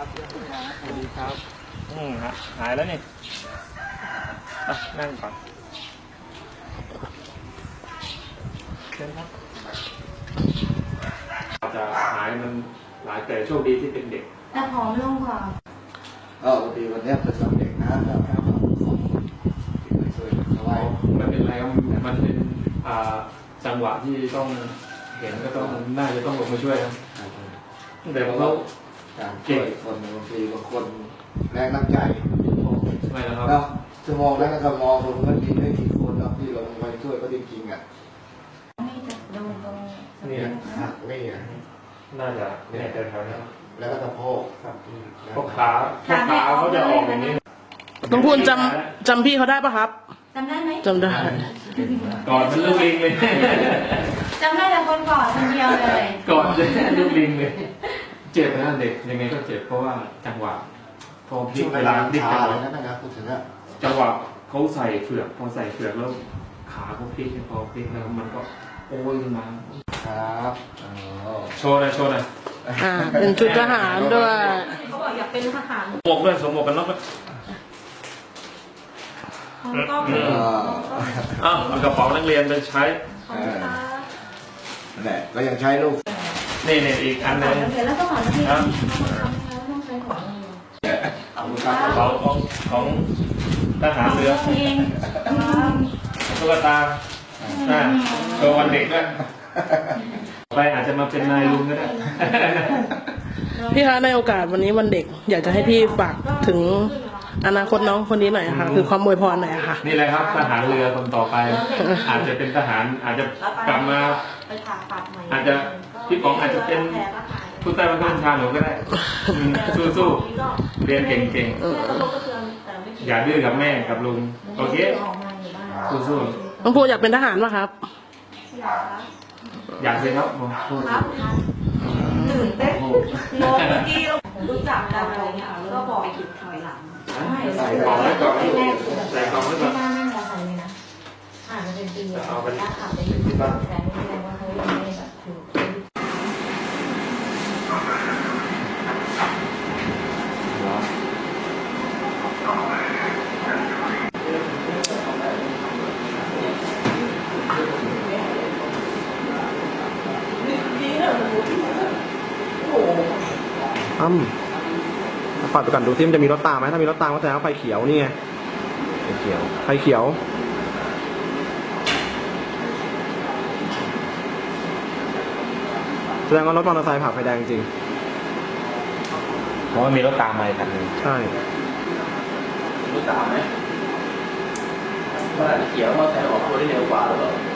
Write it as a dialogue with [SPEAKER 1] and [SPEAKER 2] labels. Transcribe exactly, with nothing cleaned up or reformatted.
[SPEAKER 1] สวัสดีครับอืมฮะหายแล้วนี่อ่ะนั่งก่อนเชิญครับจะหายมันหลายแต่โชคดีที่เป็นเด็ก
[SPEAKER 2] แต่ผอมลงกว่า
[SPEAKER 3] เออวันดีวันนี้เป็นวันเด็กนะครับช่วยเอาไว้
[SPEAKER 1] มันเป็นอะไรมันเป็นอ่าจังหวะที่ต้องเห็นก็ต้องน่าจะต้องลงมาช่วยครับแต่ผมก็
[SPEAKER 3] การช่วยคนบางทีบางคนแรงน้ำใจ
[SPEAKER 1] ไม่นะครับ
[SPEAKER 3] เนาะจะมองแล้วก็มองลงก็ดีไม่กี่คนเนาะที่ลงไปช่วยก็จริงๆอ่ะ
[SPEAKER 1] นี่
[SPEAKER 3] หักนี่อ่ะ
[SPEAKER 1] น่าจะเนี่ยแถวๆนี้
[SPEAKER 3] แล้วก็สะโพก
[SPEAKER 1] ครับพวกขาพวกขาเขาจะออกอย่างนี้
[SPEAKER 4] น้องพูนจำจำพี่เขาได้ปะครับ
[SPEAKER 2] จำได้ไหม
[SPEAKER 4] จำได้
[SPEAKER 1] ก่อนเป็นลูกลิงเลย
[SPEAKER 2] จำได้แต่คนก่อนคนเดียวเลย
[SPEAKER 1] ก่อนจะลูกลิงเลยเจ็บนะเด็กยังไงก็เจ็บเพราะว่าจังหวะพอพลิกเวลาพลิกจังหวะ
[SPEAKER 3] นะครับพูดถึงอะ
[SPEAKER 1] จังหวะเขาใส่เฟือกพอใส่เฟือกแล้วขาเขาพลิกพอพลิกแล้วมันก็โอ้ยมา
[SPEAKER 3] ครับ
[SPEAKER 1] โชว์นะโชว์นะ
[SPEAKER 4] อ่าเป็นชุดทหารด้วย
[SPEAKER 2] เขาบอกอยากเป็นทหาร
[SPEAKER 1] หมวกด้วยสวมหมวกกันน็อกด้วย
[SPEAKER 2] ก็
[SPEAKER 1] อ้าวเอากระเป๋านักเรียนไปใช้
[SPEAKER 3] แหละก็ยังใช้ลูก
[SPEAKER 1] นี่นี่อีกอันนึง
[SPEAKER 2] แล้วก็หมอนที่ต้องใช้
[SPEAKER 1] ของของของทหารเรือตุ๊กตาโชว์วันเด็กด้วยไปอาจจะมาเป็นนายลุงก็ได้
[SPEAKER 4] พี่คะในโอกาสวันนี้วันเด็กอยากจะให้พี่ฝากถึงอนาคตน้องคนนี้หน่อยค่ะคือความอวยพรหน่อยค่ะ
[SPEAKER 1] นี่แหละครับทหารเรือคนต่อไปอาจจะเป็นทหารอาจจะกลับมาอาจจะพี่ป๋องอาจจะเป็นผู้ใต้บังคับบัญชาหนูก็ได้สู้ๆเรียนเก่งๆอย่าดื้อกับแม่กับลุงโอเคสู้
[SPEAKER 4] ๆน้องพูอยากเป็นทหารป่ะครับ
[SPEAKER 1] อยากเลยครับ
[SPEAKER 2] ครับตื่นเต้นงงเมื่อกี้รู้จักกันอะไรเงี้ยก็บอกไปกินถอยหลัง
[SPEAKER 1] ใส่กล่องไว้ก่อนใส่กล่องไว้ก่อน
[SPEAKER 2] ไม่น่าไม่น่าใส่เลยนะอ่านมาเป็นปีแล้วถ้าขับไปที่บ้านแต่ไม่แสดงว่าเขายังไม่แบบถูก
[SPEAKER 5] อ้ำปัดไปก่อนดูที่มันจะมีรถตามไหมถ้ามีรถตามก็แสดงว่าไฟเขียวนี่ไงไฟเขียวไฟเขียวแสดงว่ารถมอเตอร์ไซค์ผ่าไฟแดงจริง
[SPEAKER 1] เพราะว่ามีรถตามมาอีกคันนึง
[SPEAKER 5] ใช่
[SPEAKER 3] รถตามไหมว่าเขียวมอเตอร์ไซค์ออกตัวได้เร็วกว่าหรือเปล่า